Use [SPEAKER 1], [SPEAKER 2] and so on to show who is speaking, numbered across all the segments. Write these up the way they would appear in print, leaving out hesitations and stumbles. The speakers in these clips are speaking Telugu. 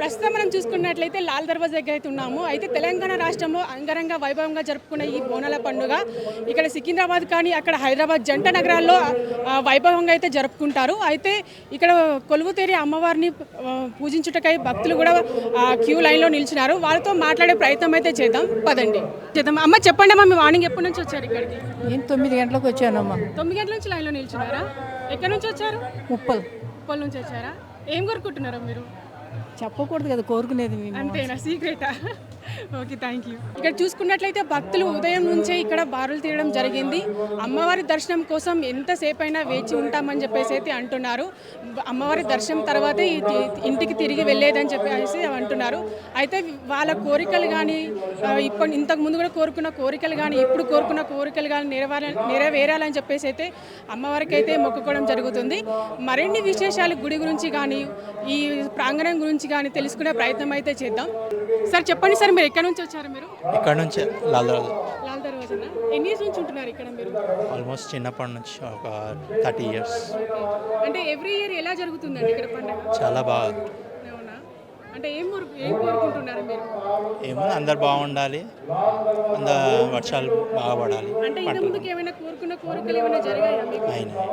[SPEAKER 1] ప్రస్తుతం మనం చూసుకున్నట్లయితే లాల్ దర్వాజా దగ్గర అయితే ఉన్నాము. అయితే తెలంగాణ రాష్ట్రంలో అంగరంగ వైభవంగా జరుపుకునే ఈ బోనాల పండుగ ఇక్కడ సికింద్రాబాద్ కానీ అక్కడ హైదరాబాద్ జంట నగరాల్లో వైభవంగా అయితే జరుపుకుంటారు. అయితే ఇక్కడ కొలువుతేరి అమ్మవారిని పూజించుటకై భక్తులు కూడా క్యూ లైన్లో నిలిచినారు. వాళ్ళతో మాట్లాడే ప్రయత్నం అయితే చేద్దాం, పదండి చేద్దాం. అమ్మ చెప్పండి అమ్మ, మీ మార్నింగ్ ఎప్పటి నుంచి వచ్చారు ఇక్కడికి?
[SPEAKER 2] నేను 9 గంటలకు వచ్చానమ్మా.
[SPEAKER 1] 9 గంటల నుంచి లైన్లో నిలిచినారా? ఎక్కడి నుంచి వచ్చారు?
[SPEAKER 2] ముప్పల్
[SPEAKER 1] నుంచి వచ్చారా? ఏం కోరుకుంటున్నారా మీరు?
[SPEAKER 2] చెప్పకూడదు కదా కోరుకునేది మేము.
[SPEAKER 1] అంతేనా, సీక్రెటా? Okay, thank you. ఇక్కడ చూసుకున్నట్లయితే భక్తులు ఉదయం నుంచే ఇక్కడ బారులు తీయడం జరిగింది. అమ్మవారి దర్శనం కోసం ఎంతసేపు అయినా వేచి ఉంటామని చెప్పేసి అయితే అంటున్నారు. అమ్మవారి దర్శనం తర్వాతే ఇంటికి తిరిగి వెళ్ళేదని చెప్పేసి అంటున్నారు. అయితే వాళ్ళ కోరికలు కానీ ఇంతకు ముందు కూడా కోరుకున్న కోరికలు కానీ ఇప్పుడు కోరుకున్న కోరికలు కానీ నెరవేరాలని చెప్పేసి అయితే అమ్మవారికి అయితే మొక్కుకోవడం జరుగుతుంది. మరిన్ని విశేషాలు గుడి గురించి కానీ ఈ ప్రాంగణం గురించి కానీ తెలుసుకునే ప్రయత్నం అయితే చేద్దాం. సార్ చెప్పండి సార్, మీరు ఎక్కడి నుంచి వచ్చారు? మీరు
[SPEAKER 3] ఇక్కడ నుంచి లాల్
[SPEAKER 1] దర్వాజా. ఎన్ని ఇయర్స్ నుంచి ఉంటున్నారు ఇక్కడ మీరు?
[SPEAKER 3] ఆల్మోస్ట్ చిన్నప్పటి నుంచి ఒక 30 ఇయర్స్.
[SPEAKER 1] అంటే ఎవ్రీ ఇయర్ ఎలా జరుగుతుందండి ఇక్కడ పండుగ?
[SPEAKER 3] చాలా బాగా.
[SPEAKER 1] అవునా? అంటే ఏం కోరుకుంటున్నారు మీరు?
[SPEAKER 3] ఏమో అందరు బాగుండాలి, వర్షాలు బాగా పడాలి.
[SPEAKER 1] అంటే ఇంత ముందుకు ఏమైనా కోరుకున్న కోరికలు ఏమైనా జరిగాయా మీకు?
[SPEAKER 3] అయినాయి.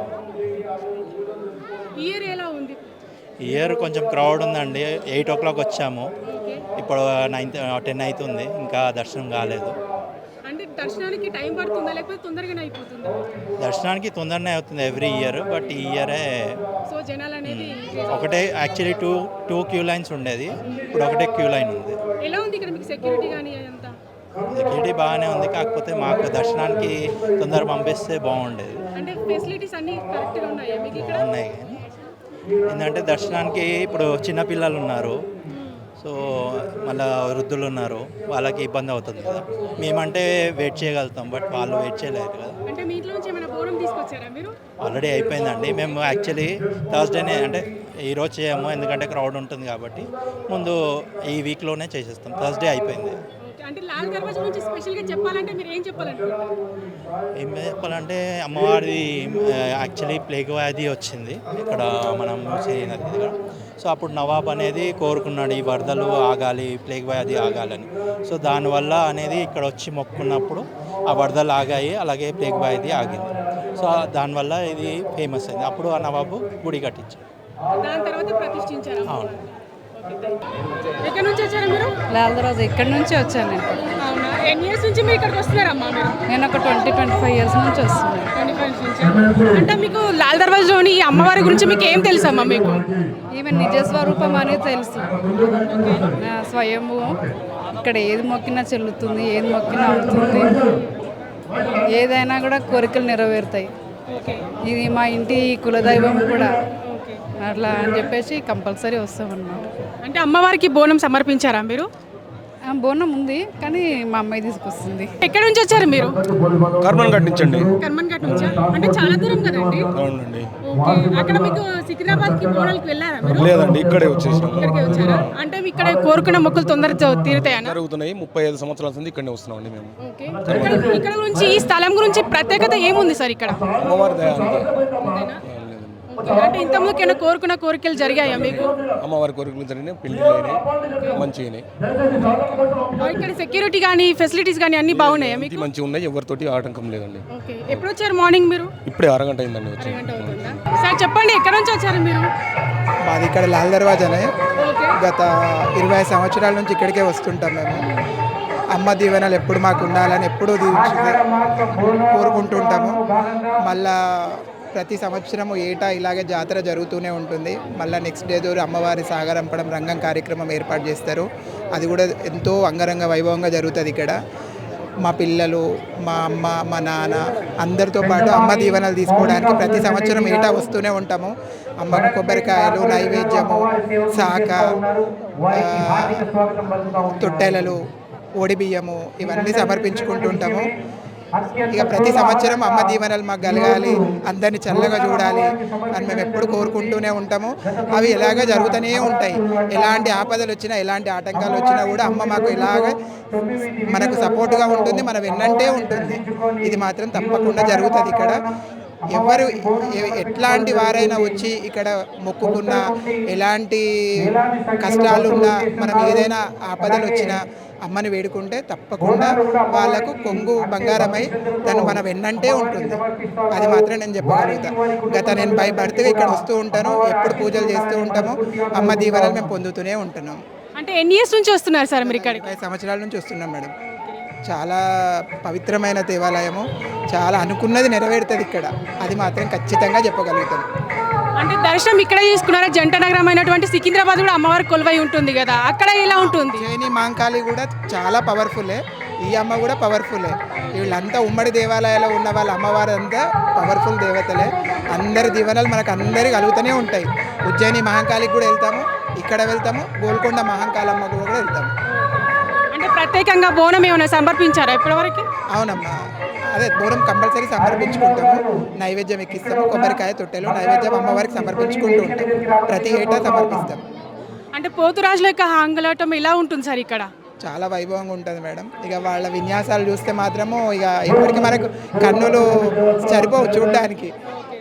[SPEAKER 1] ఇయర్ ఎలా ఉంది?
[SPEAKER 3] ఇయర్ కొంచెం క్రౌడ్ ఉందండి. 8 o'clock వచ్చాము, ఇప్పుడు 10 అవుతుంది, ఇంకా దర్శనం కాలేదు.
[SPEAKER 1] అంటే దర్శనానికి టైం పడుతుందా లేకపోతే తొందరగానే అయిపోతుందా?
[SPEAKER 3] దర్శనానికి తొందరనే అవుతుంది ఎవ్రీ ఇయర్, బట్ ఈ ఇయరే
[SPEAKER 1] సో జనాలు అనేది
[SPEAKER 3] ఒకటే. యాక్చువల్లీ టూ క్యూ లైన్స్ ఉండేది, ఇప్పుడు ఒకటే క్యూ లైన్ ఉంది.
[SPEAKER 1] ఎలా ఉంది ఇక్కడ మీకు సెక్యూరిటీ కానీ అదంతా?
[SPEAKER 3] సెక్యూరిటీ బాగానే ఉంది, కాకపోతే మాకు దర్శనానికి తొందర పంపిస్తే బాగుండేది.
[SPEAKER 1] అంటే ఫెసిలిటీస్ అన్నీ కరెక్ట్గా ఉన్నాయా మీకు ఇక్కడ?
[SPEAKER 3] ఉన్నాయి, కానీ ఏంటంటే దర్శనానికి ఇప్పుడు చిన్నపిల్లలు ఉన్నారు, సో మళ్ళీ వృద్ధులు ఉన్నారు, వాళ్ళకి ఇబ్బంది అవుతుంది కదా. మేమంటే వెయిట్ చేయగలుగుతాం, బట్ వాళ్ళు వెయిట్ చేయలేరు కదా.
[SPEAKER 1] అంటే మీ ఇంట్లో నుంచి ఏమైనా బోనం తీసుకొచ్చారా మీరు?
[SPEAKER 3] ఆల్రెడీ అయిపోయిందండి. మేము యాక్చువల్లీ థర్స్డేనే, అంటే ఈరోజు చేయము ఎందుకంటే క్రౌడ్ ఉంటుంది కాబట్టి, ముందు ఈ వీక్లోనే చేసేస్తాం. థర్స్డే అయిపోయింది.
[SPEAKER 1] అంటే లాల్ దర్వాజా నుంచి స్పెషల్గా చెప్పాలంటే మీరు ఏం చెప్పాలనుకుంటున్నారు?
[SPEAKER 3] ఏం చెప్పాలంటే అమ్మవారి యాక్చువల్లీ ప్లేగ్ వ్యాధి వచ్చింది ఇక్కడ మనం మూసీ నది దగ్గర. సో అప్పుడు నవాబ్ అనేది కోరుకున్నాడు ఈ వరదలు ఆగాలి, ప్లేగ్ వ్యాధి ఆగాలని. సో దానివల్ల అనేది ఇక్కడ వచ్చి మొక్కున్నప్పుడు ఆ వరదలు ఆగాయి, అలాగే ప్లేగ్ వ్యాధి ఆగింది. సో దానివల్ల ఇది ఫేమస్ అయింది. అప్పుడు ఆ నవాబు గుడి కట్టించారు,
[SPEAKER 1] దాని తర్వాత ప్రతిష్ఠించారు.
[SPEAKER 3] అవును.
[SPEAKER 1] ఎక్కడి నుంచి వచ్చారు మీరు?
[SPEAKER 2] లాల్ దర్వాజా ఇక్కడి నుంచి వచ్చాను నేను.
[SPEAKER 1] అవునా? ఎన్ని ఇయర్స్ నుంచి మీరు ఇక్కడికి వస్తున్నారమ్మా మీరు?
[SPEAKER 2] నేను ఒక 20-25 ఇయర్స్ నుంచి వస్తున్నాను.
[SPEAKER 1] 25 నుంచి. అంటే మీకు లాల్ దర్వాజాలోని ఈ అమ్మవారి గురించి మీకు ఏం తెలుసమ్మా? మీకు
[SPEAKER 2] ఈమె నిజ స్వరూపం అనేది తెలుసు. స్వయంభూ, ఇక్కడ ఏది మొక్కినా చెల్లుతుంది, ఏది మొక్కినా అవుతుంది, ఏదైనా కూడా కోరికలు నెరవేరుతాయి. ఇది మా ఇంటి కులదైవం కూడా, అట్లా అని చెప్పేసి కంపల్సరీ వస్తామన్నమాట.
[SPEAKER 1] అంటే అమ్మవారికి బోనం సమర్పించారా మీరు?
[SPEAKER 2] బోనం ఉంది, కానీ మా అమ్మాయి తీసుకొస్తుంది.
[SPEAKER 1] ఎక్కడి నుంచి వచ్చారు మీరు?
[SPEAKER 4] కర్మన్ కట్టించండి.
[SPEAKER 1] కర్మన్ ఘాట్ నుంచా? అంటే చాలా దూరం కదండి.
[SPEAKER 4] అవునండి.
[SPEAKER 1] ఓకే. అక్కడ మీకు సికింద్రాబాద్ కి బోనాలకు వెళ్ళారా మీరు?
[SPEAKER 4] లేదండి, ఇక్కడే వచ్చేసాం.
[SPEAKER 1] ఇక్కడికే వచ్చారా? అంటే ఇక్కడ కోరుకున్న మొక్కులు తొందరగా తీరుతాయనా?
[SPEAKER 4] జరుగుతున్నాయి. 35 సంవత్సరాల నుంచి ఇక్కడే వస్తున్నామండి మేము.
[SPEAKER 1] ఓకే. ఇక్కడ గురించి ఈ స్థలం గురించి ప్రత్యేకత ఏముంది సార్ ఇక్కడ?
[SPEAKER 4] అమ్మవారి దయ అంతే.
[SPEAKER 1] అంటే ఇంతకుముందుకు ఏమైనా కోరుకున్న కోరికలు జరిగాయా మీకు?
[SPEAKER 4] అమ్మవారి కోరికలు జరిగినాయి, పెళ్లిళ్ళు అయినాయి, మంచిగా.
[SPEAKER 1] ఇక్కడ సెక్యూరిటీ కానీ ఫెసిలిటీస్ కానీ అన్ని బాగున్నాయా మీకు?
[SPEAKER 4] మంచిగా ఉన్నాయి, ఎవరితోటి ఆటంకం లేదండి.
[SPEAKER 1] ఓకే. ఎప్పుడు వచ్చారు మార్నింగ్ మీరు?
[SPEAKER 4] ఇప్పుడే అరగంట అయిందండి వచ్చి.
[SPEAKER 1] సార్ చెప్పండి, ఎక్కడ నుంచి వచ్చారు మీరు?
[SPEAKER 5] మాది ఇక్కడ లాల్ దర్వాజానే.
[SPEAKER 1] ఓకే.
[SPEAKER 5] గత 20 సంవత్సరాల నుంచి ఇక్కడికే వస్తుంటాం మేము. అమ్మ దీవెనలు ఎప్పుడు మాకు ఉండాలని ఎప్పుడూ కోరుకుంటుంటాము. మళ్ళా ప్రతి సంవత్సరము ఏటా ఇలాగే జాతర జరుగుతూనే ఉంటుంది. మళ్ళీ నెక్స్ట్ డే రోజు అమ్మవారి సాగరంపడం రంగం కార్యక్రమం ఏర్పాటు చేస్తారు. అది కూడా ఎంతో అంగరంగ వైభవంగా జరుగుతుంది ఇక్కడ. మా పిల్లలు, మా అమ్మ, మా నాన్న అందరితో పాటు అమ్మ దీవెనలు తీసుకోవడానికి ప్రతి సంవత్సరం ఏటా వస్తూనే ఉంటాము. అమ్మకు కొబ్బరికాయలు, నైవేద్యము, శాఖ, తొట్టెలలు, ఓడి బియ్యము ఇవన్నీ సమర్పించుకుంటుంటాము. ఇక ప్రతి సంవత్సరం అమ్మ దీవెనలు మాకు కలగాలి, అందరినీ చల్లగా చూడాలి అని మేము ఎప్పుడు కోరుకుంటూనే ఉంటాము. అవి ఎలాగ జరుగుతూనే ఉంటాయి. ఎలాంటి ఆపదలు వచ్చినా, ఎలాంటి ఆటంకాలు వచ్చినా కూడా అమ్మ మాకు ఇలాగ మనకు సపోర్ట్గా ఉంటుంది, మన వెన్నంటే ఉంటుంది. ఇది మాత్రం తప్పకుండా జరుగుతుంది ఇక్కడ. ఎవరు ఎట్లాంటి వారైనా వచ్చి ఇక్కడ మొక్కుకున్నా ఎలాంటి కష్టాలున్నా మనం ఏదైనా ఆపదలు వచ్చినా అమ్మని వేడుకుంటే తప్పకుండా వాళ్ళకు కొంగు బంగారమై తను మన వెన్నంటే ఉంటుంది. అది మాత్రం నేను చెప్పగలుగుతా. నేను బై బర్త్గా ఇక్కడ వస్తూ ఉంటాను, ఎప్పుడు పూజలు చేస్తూ ఉంటాము, అమ్మ దీవెనలు మేము పొందుతూనే ఉంటున్నాం.
[SPEAKER 1] అంటే ఎన్ని ఇయర్స్ నుంచి వస్తున్నారు సార్ మీరు ఇక్కడికి?
[SPEAKER 5] 20 సంవత్సరాల నుంచి వస్తున్నాం మేడం. చాలా పవిత్రమైన దేవాలయము, చాలా అనుకున్నది నెరవేరుతుంది ఇక్కడ, అది మాత్రం ఖచ్చితంగా చెప్పగలుగుతాం.
[SPEAKER 1] అంటే దర్శనం ఇక్కడే తీసుకున్నారా? జంట నగరం అయినటువంటి సికింద్రాబాద్ కూడా అమ్మవారి కొలువై ఉంటుంది కదా, అక్కడ ఎలా ఉంటుంది?
[SPEAKER 5] ఉజ్జయిని మహంకాళి కూడా చాలా పవర్ఫుల్లే, ఈ అమ్మ కూడా పవర్ఫుల్లే. వీళ్ళంతా ఉమ్మడి దేవాలయాల్లో ఉన్న వాళ్ళ అమ్మవారు అంతా పవర్ఫుల్ దేవతలే. అందరి దీవెనలు మనకు అందరికి కలుగుతూనే ఉంటాయి. ఉజ్జయిని మహంకాళికి కూడా వెళ్తాము, ఇక్కడ వెళ్తాము, గోల్కొండ మహంకాళమ్మ కూడా వెళ్తాము.
[SPEAKER 1] అంటే ప్రత్యేకంగా బోనం ఏమైనా సమర్పించారా ఇప్పటివరకు?
[SPEAKER 5] అవునమ్మా, అదే బోనం కంపల్సరీ సమర్పించుకుంటాము, నైవేద్యం ఎక్కిస్తాము, కొబ్బరికాయ తొట్టెలు నైవేద్యం అమ్మవారికి సమర్పించుకుంటూ ఉంటాం, ప్రతి ఏటా సమర్పిస్తాం.
[SPEAKER 1] అంటే పోతురాజుల యొక్క ఆంగలాటం ఎలా ఉంటుంది సార్ ఇక్కడ?
[SPEAKER 5] చాలా వైభవంగా ఉంటుంది మేడం. ఇక వాళ్ళ విన్యాసాలు చూస్తే మాత్రము ఇక ఇప్పటికీ మనకు కన్నులు సరిపోవు చూడడానికి.